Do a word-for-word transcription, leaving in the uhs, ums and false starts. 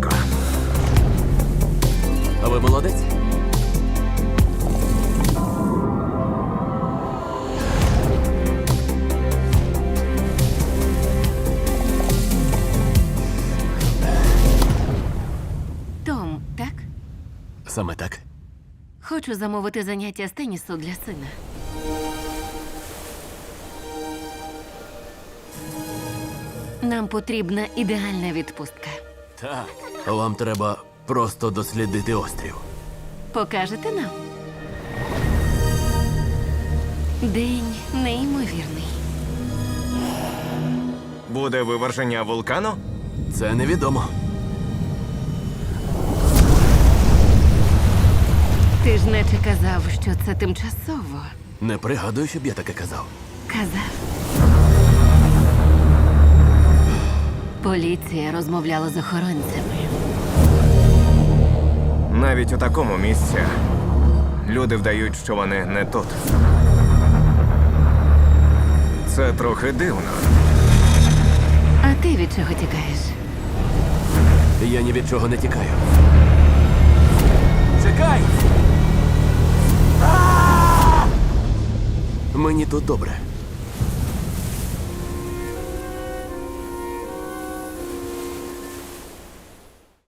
швидко. А ви молодець? Том, так? Саме так. Хочу замовити заняття з тенісу для сина. Нам потрібна ідеальна відпустка. Так. Вам треба просто дослідити острів. Покажете нам? День неймовірний. Буде виверження вулкану? Це невідомо. Ти ж наче казав, що це тимчасово. Не пригадую, щоб я таке казав. Казав. Поліція розмовляла з охоронцями. Навіть у такому місці люди вдають, що вони не тут. Це трохи дивно. А ти від чого тікаєш? Я ні від чого не тікаю. Чекай! А! Мені тут добре.